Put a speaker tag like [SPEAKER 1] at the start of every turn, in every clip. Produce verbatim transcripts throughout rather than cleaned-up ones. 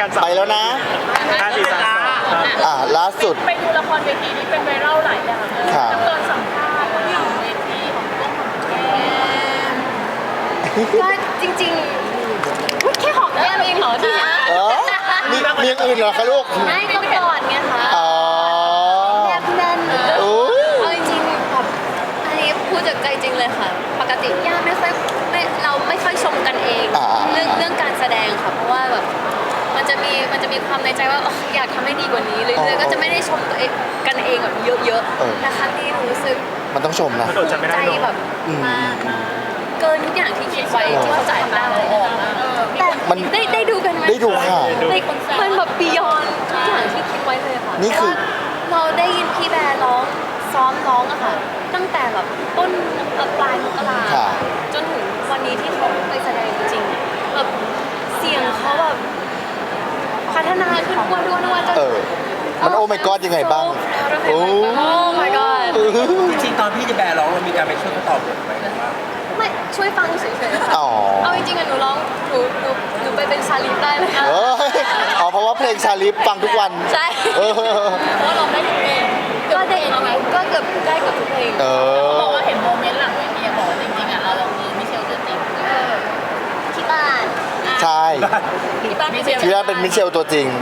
[SPEAKER 1] การไปแล้วนะห้าสี่สามอ่าล่าสุด
[SPEAKER 2] ไปดูละครเวทีนี้เป็นไวรัลหลายอย่างเลยแล้วตอนสัมภาษณ์ของเวทีของพวกของแก้ม
[SPEAKER 3] ก็จริงๆแค่หอมแก้มเองเหรอที่นี่
[SPEAKER 1] เออมีมีอย่างอื่นเหรอคะลูก
[SPEAKER 3] ไม่ก็กอดไงคะ
[SPEAKER 1] อ๋อ
[SPEAKER 3] แนบแน่นเอาจริงๆแบบอันนี้พูดจากใจจริงเลยค่ะปกติย่าไม่ค่อยไม่เราไม่ค่อยชมกันเองเรื่องเรื่องการแสดงค่ะเพราะว่าแบบมันจะมีมันจะมีความในใจว่าอยากทำให้ดีกว่านี้เรื่อยๆก็จะไม่ได้ชมตัวเองกันเองแบบเยอะๆแต่ครั้งนี้รู้สึก
[SPEAKER 1] มันต้องชมนะ
[SPEAKER 3] ใจแบบมากเกินทุกอย่างที่คิดไว้ที่เขาจ่ายมาแต่ได้ได้ดูกันไหม
[SPEAKER 1] ได้ดูค่ะ
[SPEAKER 3] มันแบบบียอนทุกอย่างที่คิดไว้เลยค่ะ
[SPEAKER 1] นี่คือ
[SPEAKER 3] เราได้ยินพี่แบร์ร้องซ้อมร้องอะค่ะตั้งแต่แบบต้นปลายมกราจนถึงวันนี้ที่เขาไปแสดงจริงๆแบบเสียงเขาแบบพัฒนาขึ้นทุกวันทุกวันทุกวันจน
[SPEAKER 1] มันโอ้ my god ยังไงบ้าง
[SPEAKER 3] โอ้ my god
[SPEAKER 4] จริงๆตอนพี่จะแบร์ร้องเรามีการไปช่วยเขาตอบบทไหม
[SPEAKER 3] ไม่ช่วยฟังเฉยๆค่ะเอาจริงๆอะหนูร้องหนูหนูหนูไปเป็นชาลิฟได้เลย
[SPEAKER 1] อ๋อเพราะว่าเพลงชาลิฟฟังทุกวัน
[SPEAKER 3] ใช่เพราะเราได้ทุกเพลงก็ได้ก็เกือบได้เกือบทุกเพลง
[SPEAKER 2] เขาบอกว่าเห็นโมเมนต์หลังเวทีบอกจริงๆอะเราเราคือมิเชลตัวจริง
[SPEAKER 3] ที่บ้าน
[SPEAKER 1] ใช่
[SPEAKER 2] ที่บ้านมิเชล
[SPEAKER 1] ที่บ้านเป็นมิเชลตัวจริง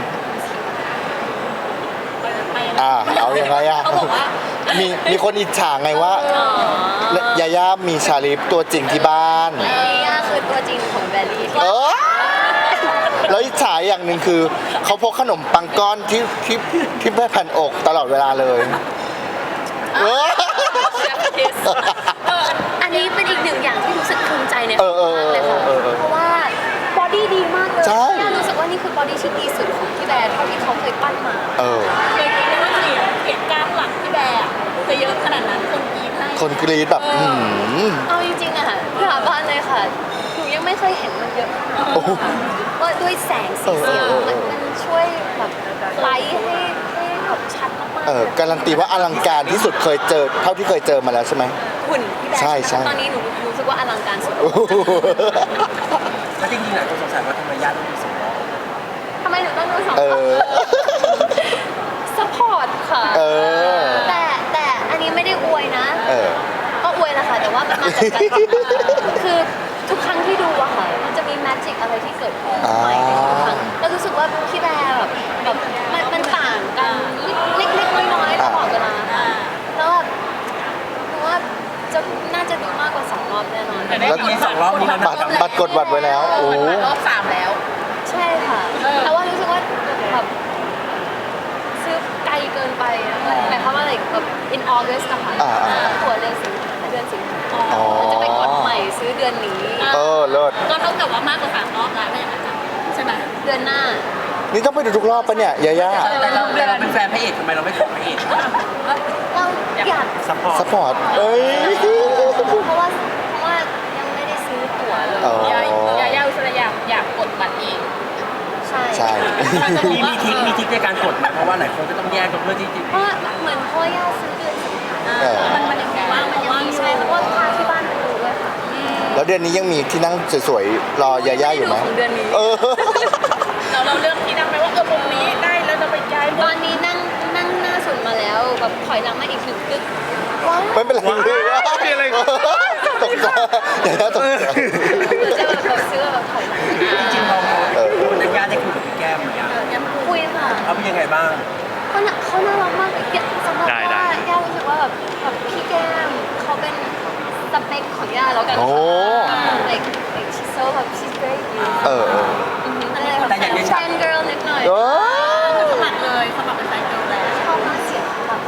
[SPEAKER 1] อ่าเอาอย่างไรอ่ะมีมีคนอิจฉาไงว่ายาย่ามีชาลิฟตัวจริงที่บ้าน
[SPEAKER 3] ยาย่าคือตัวจริงของแบลลี่
[SPEAKER 1] เออแล้วอิจฉาอย่างหนึ่งคือเขาพกขนมปังก้อนที่ที่ที่แผ่นอกตลอดเวลาเลย
[SPEAKER 3] อันนี้เป็นอีกหนึ่งอย่างที่รู้สึกภูมิใจในเขามากเลยค่ะเพราะว่าบอดี้ดีมากเลยย่ารู้สึกว่านี่คือบอดี้ที่ดีสุดของพี่แบร์เท่าที่เขาเคยปั้นมา
[SPEAKER 2] เคยคิดว่าเสียงเสียงกล้ามหลังพี่แบร์จะเยอะขนาดนั้นคนกรี๊ดให้
[SPEAKER 1] คนกรี๊ดแบบ
[SPEAKER 3] เอาจริงๆอะค่ะสาบานเลยค่ะหนูยังไม่เคยเห็นมันเยอะว่าด้วยแสงสีเสียงมันมันช่วยแบบไลท์ให้ให้แบบชัดมากๆ
[SPEAKER 1] เออการันตีว่าอลังการที่สุดเคยเจอเท่าที่เคยเจอมาแล้วใช่ไหม
[SPEAKER 3] หุ่นพี่แบร์
[SPEAKER 1] ใช่ใช่
[SPEAKER 3] ตอนนี้หนูรู้สึกว่าอลังการสุด
[SPEAKER 4] แล้วจริงๆหลายคนสงสัยว่าทำไมญาติต้องมีสองรอบ
[SPEAKER 3] ทำไมหนูต้องดูสองรอบซัพพอร์ตค่ะแต่แต่อันนี้ไม่ได้อวยนะก็อวยแหละค่ะแต่ว่ามาจากการคือทุกครั้งที่ดูอะค่ะมันจะมีแมจิกอะไรที่เกิดขึ้นใหม่ในทุกครั้งแล้วรู้สึกว่าพี่แบร์แบบแบบมันมันต่างกันเล็กๆน้อยๆตลอดเวลาแล้วแบบหนูว่าจะน่าจะดูมากกว่าสองรอบแน่นอน
[SPEAKER 4] แล้วมีสองรอบนี้
[SPEAKER 1] บัตรบัตรกดบัตรไว้แล้วโอ้
[SPEAKER 2] รอบสามแล้ว
[SPEAKER 3] ใช่ค่ะแต่ว่ารู้สึกว่าแบบซื้อไกลเกินไปหมายความว่าอะไรแบบ in August นะคะตัวเดือนสิงหาเดือนสิงหาจะไปกดใหม่ซื้อเดือนนี้
[SPEAKER 1] เออเลิศ
[SPEAKER 2] ก็เท่ากับว่ามากกว่าสามรอบแล้วไม่อย่างนั้นใช่ไหม
[SPEAKER 3] เดือนหน้า
[SPEAKER 1] นี่ต้องไปดูทุกรอบปะเนี่ยยาย่า
[SPEAKER 4] แต่เราเราเป็นแฟนพระเอกทำไมเราไม่ขอพระเอก
[SPEAKER 3] เราอยาก
[SPEAKER 4] ซัพพอร์ต
[SPEAKER 1] ซัพพอร์ตเอ้ย
[SPEAKER 3] เพราะว่าเพราะว่ายังไม่ได้ซื้อตั๋วเลย
[SPEAKER 2] ยายายาอุสระอยากอยากกดบัตรเอง
[SPEAKER 3] ใช่
[SPEAKER 1] ใช่
[SPEAKER 4] มีมีทิกมีทิกในการกดไหมเพราะว่าหลายคนก็ต้องแยกกันเพื่อที่จะ
[SPEAKER 3] เพราะเหมือนพ่อย่าซื้อเดือนสิงหามันมันยังว่างมันยังมีใช่เพราะว่าพาที่บ้านไปดูด้วยค่ะ
[SPEAKER 1] แล้วเดือนนี้ยังมีที่นั่งสวยๆรอยาย่าอยู่ไหม
[SPEAKER 3] เดือนนี้
[SPEAKER 1] เออ
[SPEAKER 2] เราเราเลือกที่นั่งไหมว่าเออมุมนี้ได้แล้วจะไปย้าย
[SPEAKER 3] ตอนนี้นั่งนั่งหน้าสุดมาแล้วแบบถอยหลังมาอีกหนึ่งกึก
[SPEAKER 1] ไม่เป็นไรเลย
[SPEAKER 4] อะไร
[SPEAKER 1] ตกใจยาย่าตกใจ
[SPEAKER 3] จะแบบเขาซื้อแบบถอยหลัง
[SPEAKER 4] จริงๆเราในญาติได้คุยกับพี่แก้ม
[SPEAKER 3] ยังคุยค่ะ
[SPEAKER 4] เขาเป็นยังไงบ้าง
[SPEAKER 3] เขาเขาน่ารักมากสำหรับว่าย่ารู้สึกว่าแบบแบบพี่แก้มเขาเป็นสเปคของย่าแล้วกันค่ะ like like she's so แบบ she's very beautiful
[SPEAKER 1] เออ
[SPEAKER 3] อะไรแบบแฟนเกิร์ลนิดหน่อย
[SPEAKER 2] สมัครเลยสมัครเป็นแฟนเกิร์ลแล้ว
[SPEAKER 3] ชอบมากเสียงแบบ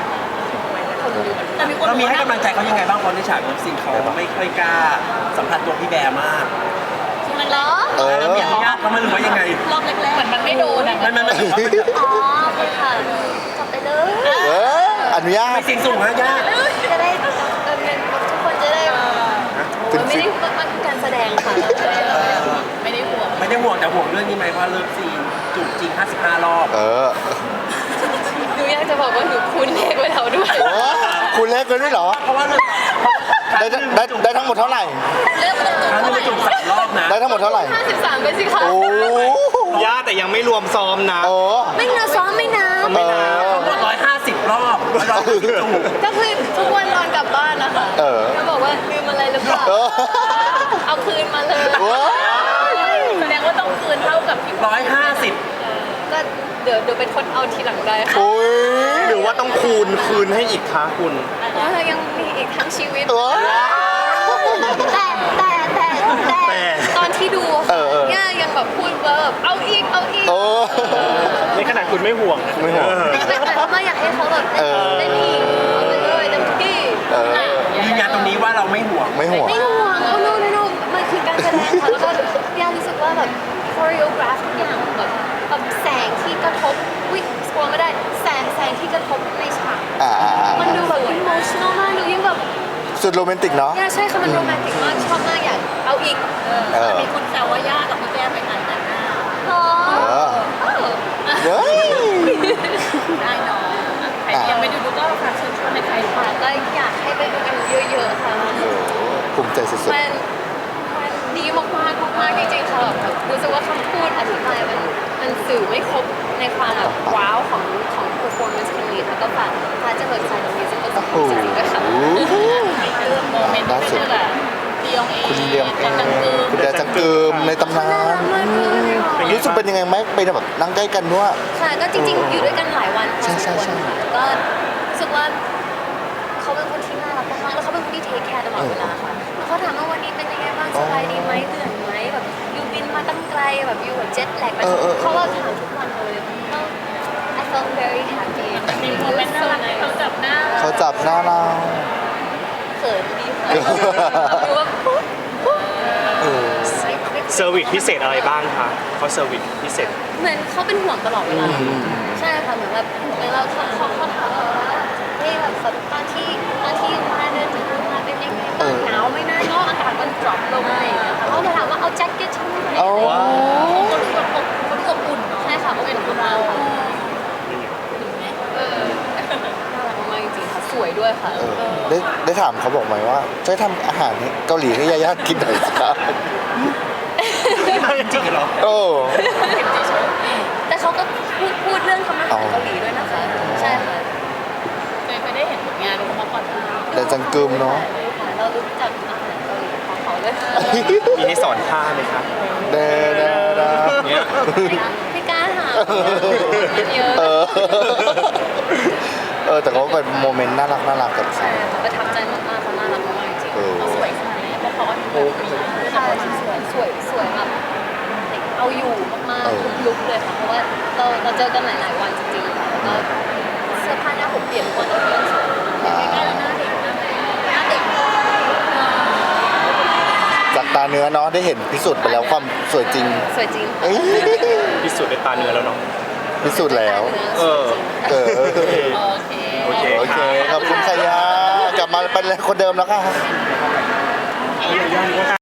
[SPEAKER 4] เรามีให้กำลังใจเขายังไงบ้างเพราะในฉากสิ่งเขาไม่ค่อยกล้าสัมผัสตัวพี่แบร์มาก
[SPEAKER 3] มันเหรอ
[SPEAKER 4] เออมีอนุญาตเขาไม่รู้ว่ายังไง
[SPEAKER 2] รอบแรกๆเหมือนมันไม่โดน
[SPEAKER 4] มันมัน
[SPEAKER 3] อ๋อโอเคค่ะจบไปเลย
[SPEAKER 1] เอออนุญาต
[SPEAKER 4] ไม่เสียงสูงนะญาติ
[SPEAKER 3] จะได้ทุกคนจะได้ไม่ได้มันการแสดงค่ะ
[SPEAKER 2] ไม่ได้ห่วง
[SPEAKER 4] ไม่ได้ห่วงแต่ห่วงเรื่องนี้ไหมเพราะเลิฟซีนจูบจริงห้าสิบห้ารอบ
[SPEAKER 1] เออ
[SPEAKER 3] หนูอยากจะบอกว่าหนูคูณเลขไว้แล้วด้วย
[SPEAKER 1] คูณเลขไว้ด้วยเหรอ
[SPEAKER 4] เพราะว่า
[SPEAKER 1] ได้ได้ได้ทั้งหมดเท่าไหร่
[SPEAKER 3] เริ่มต้น
[SPEAKER 4] จูบสามรอบนะ
[SPEAKER 1] ได้ทั้งหมดเท่าไหร่
[SPEAKER 3] ห้าสิบสามไปสิคะ
[SPEAKER 1] โอ้
[SPEAKER 4] ญาติ
[SPEAKER 5] แต่ยังไม่รวมซ้อมนะ
[SPEAKER 1] โอ้
[SPEAKER 3] ไม่นะซ้อมไม่นะ
[SPEAKER 5] ไม่นาน
[SPEAKER 4] ทั้งหมดร้อยห้าสิบรอบร้อยห้าสิบจูบ
[SPEAKER 3] ก็คือทุกวันนอนกลับบ้านนะคะ
[SPEAKER 1] เออ
[SPEAKER 3] ก็บอกว่าลืมอะไรหรือเปล่า
[SPEAKER 1] เออ
[SPEAKER 3] เอาคืนมาเลย
[SPEAKER 1] ว้าว
[SPEAKER 2] แสดงว่าต้องคืนเท่ากับที่
[SPEAKER 4] ร้อยห้าสิบ
[SPEAKER 3] ก็เดี๋ยวเดี๋ยวเป็นคนเอาทีหลังได้ค่ะ
[SPEAKER 1] โอ้ย
[SPEAKER 5] หรือว่าต้องคูณคืนให้อีกคะคุณ
[SPEAKER 3] เพราะเรายังมีอีกทั้งชีวิต
[SPEAKER 1] ว้าว
[SPEAKER 3] แต่แต่แต่แต่
[SPEAKER 5] แต่
[SPEAKER 3] ตอนที่ดู
[SPEAKER 1] เออเออ
[SPEAKER 3] ย่ายังแบบพูดว่าแบบเอาอีกเอาอีก
[SPEAKER 1] โอ้
[SPEAKER 5] ในขนาดคุณไม่ห่วงนะ
[SPEAKER 1] ไม่ห่วง
[SPEAKER 3] แต่แต่ว่าอยากให้เขาแบบ
[SPEAKER 1] เออ
[SPEAKER 3] เล่นอีกเอาไปเลยเต็มที่
[SPEAKER 1] เออ
[SPEAKER 4] ยืนยันตรงนี้ว่าเราไม่ห่วง
[SPEAKER 1] ไม่ห่วง
[SPEAKER 3] ไม่ห่วงโอ้โนโนโนมันคือการแสดงค่ะแล้วก็ย่ารู้สึกว่าแบบคอริโอกราฟทุกอย่างแบบแบบแสงที่กระทบวิสกลัวไม่ได้แสงแสงที่กระทบในฉาก
[SPEAKER 1] อ่าอ่าอ่า
[SPEAKER 3] มันดูแบบอิโมชั่นอลมากดูยิ่งแบบ
[SPEAKER 1] สุดโรแมนติกเนาะ
[SPEAKER 3] ย่าใช่ค่ะมันโรแมนติกมากชอบมากอยากเอาอีก
[SPEAKER 1] เออ
[SPEAKER 2] มีคุณแซวว่าย่ากับพี่แก้มไปถ่ายแต่งหน้า
[SPEAKER 3] อ๋อ
[SPEAKER 1] เออ
[SPEAKER 3] เออ
[SPEAKER 1] เฮ้ย
[SPEAKER 2] ได้เนาะใครที่ยังไม่ดูดูก็ฝากเชิญชวนในใคร
[SPEAKER 3] ค่ะก็อยากให้ไปดูกันเยอะๆค่ะ
[SPEAKER 1] โอ้ภูมิใจสุด
[SPEAKER 3] มันมันดีมากๆมากๆจริงๆค่ะแบบรู้สึกว่าคำพูดอธิบายมันมันสื่อไม่ครบในความแบบว้าวของของ performance ครั้งนี้ค่ะก็ฝากฝากจะเปิดใจตรงนี้จะก็
[SPEAKER 1] ๆ
[SPEAKER 3] จะ
[SPEAKER 1] โอ้โห
[SPEAKER 3] จริงๆด้วยค่ะ
[SPEAKER 2] มีเรื่องโมเมนต์ที่ไม่ใช่แบบเดียงเอง
[SPEAKER 1] คุณเลียงเอ
[SPEAKER 2] จัง
[SPEAKER 1] ง
[SPEAKER 2] กือ
[SPEAKER 1] คุณแดจังเกิมในตำนา
[SPEAKER 3] น่ารั
[SPEAKER 1] น
[SPEAKER 3] กมากเลยค่ะ
[SPEAKER 1] รู้สึกเป็นยังไงไหมไปแบบนั่งใกล้กันด้วย
[SPEAKER 3] ค่ะก็จริงๆ อยู่ด้วยกันหลายวันพอ
[SPEAKER 1] ใช่
[SPEAKER 3] สม
[SPEAKER 1] ใช่
[SPEAKER 3] ควร
[SPEAKER 1] ใช่
[SPEAKER 3] ค่ะก็รู้สึกว่าเขาเป็นคนที่น่ารักมากๆแล้วเขาเป็นคนที่เทคแคร์ตลอดเวลาค่ะแล้วเขาถามว่าวันนี้เป็นยังไงบ้างสบายดีไหมเหนื่อยไหมแบบอยู่บินมาตั้งไกลแบบอยู่แบบเจ็ตแลกเขาก็ถามทุกวันเลยก็ I felt very happy
[SPEAKER 2] มีโมเมนต์น่ารักที่เขาจับหน้า
[SPEAKER 1] เขาจับหน้าเรา
[SPEAKER 3] เขินดีค่ะดูว่าปุ๊บปุ๊บ
[SPEAKER 1] เออ
[SPEAKER 5] เซอร์วิสพิเศษอะไรบ้างคะเขาเซอร์วิสพิเศษ
[SPEAKER 3] เหมือนเขาเป็นห่วงตลอดเวลาใช่ค่ะเหมือนแบบเหมือนเราเขาเขาเขาถามเราว่าเฮ้ยแบบตอนที่ตอนที่มาเดินถึงมาเป็นยังไงบ้างหนาวไหมนะเนาะอากาศมันดรอปลงอะไรอย่างเงี้ยค่ะเขาจะถามว่าเอาแจ็คเก็ตฉันไหม
[SPEAKER 1] โอ้
[SPEAKER 2] คนที่แบบอบคนที่อบอุ่นเนาะ
[SPEAKER 3] ใช่ค่ะเป็นคุณเราค่ะ
[SPEAKER 2] เออ
[SPEAKER 3] น่ารักมากจริงๆค่ะสวยด้วยค่ะ
[SPEAKER 1] เออได้ได้ถามเขาบอกไหมว่าช่วยทำอาหารให้เกาหลีให้ยาย่ากินหน่อยสิครับ
[SPEAKER 4] จริงๆเหรอ
[SPEAKER 1] โอ้
[SPEAKER 3] แต่เขาก็พูดพูดเรื่องทำอาหารเกาหลีด้วยนะคะใช่ค่ะ
[SPEAKER 2] เคยไปได้เห็นผลงานของเขาก่อนไหม
[SPEAKER 1] แต่จังกึมเนาะ
[SPEAKER 3] ค่ะเรารู้จักอาหารเกาหลีของเขาเลยค่ะ
[SPEAKER 5] มีให้สอนท่าไหมคะ
[SPEAKER 1] เด้อเด้อเด้อ
[SPEAKER 5] เนี่ย
[SPEAKER 3] ไม่กล้าถามมันเยอะ
[SPEAKER 1] เออ เออแต่ก็เป็นโมเมนต์น่ารักน่ารักกับ
[SPEAKER 3] ใช่ค่ะประทับใจมากๆเขาน่ารักมากๆจริง
[SPEAKER 1] เออ
[SPEAKER 2] เขาสวยขนาดไหนเพราะเขาก็ดูแบบมี
[SPEAKER 3] ใช่สวยสวยสวยแบบเอาอยู่มากๆทุกลุกเลยค่ะเพราะว่าเราเราเจอกันหลายๆวันจริงๆค่ะแล้วก็เสื้อผ้าหน้าผมเปลี่ยนทุกวันเลยเปลี่ยนสวย
[SPEAKER 2] ใกล้ๆแล้วหน้าเด็กหน้าเด็กหน้าเด็ก
[SPEAKER 1] จากตาเนื้อเนาะได้เห็นพิสูจน์ไปแล้วความสวยจริง
[SPEAKER 3] สวยจริงค่ะ
[SPEAKER 1] เอ้ย
[SPEAKER 5] พิสูจน์ด้วยตาเนื้อแล้วเนาะ
[SPEAKER 1] พิสูจน์แล้ว
[SPEAKER 5] เออ
[SPEAKER 1] เออ
[SPEAKER 2] โอเค
[SPEAKER 5] โอเค
[SPEAKER 1] โอเคขอบคุณขยากลับมาเป็นคนเดิมแล้วค่ะ